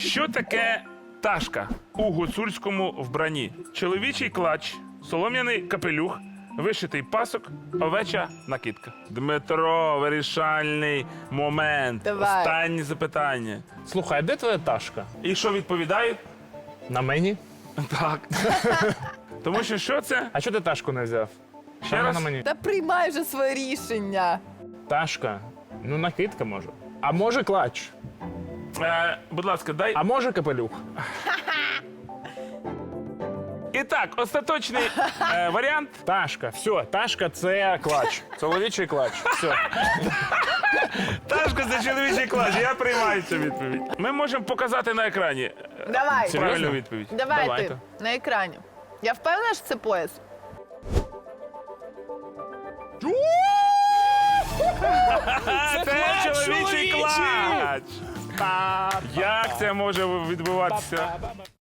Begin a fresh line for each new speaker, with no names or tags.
Що таке ташка у гуцульському вбранні? Чоловічий клач, солом'яний капелюх, вишитий пасок, овеча накидка. Дмитро, вирішальний момент.
Давай.
Останнє запитання.
Слухай, а де твоя ташка?
І що відповідають?
На мені?
Так. Тому що це?
А чого ти ташку не взяв?
Ще
Вона
раз?
на мені.
Та приймай вже своє рішення.
Ташка. Ну, накидка може. А може клач?
Будь ласка, дай.
А може капелюх?
І так, остаточний варіант.
Ташка. Все, ташка це клач. Чоловічий клач. Все.
Ташка це чоловічий клач. Я приймаю цю відповідь. Ми можемо показати на екрані
Давай.
правильну відповідь.
Давай
Давайте.
ти на екрані. Я впевнена, що це пояс.
Це чоловічий клач.
Та-
Як це може відбуватися?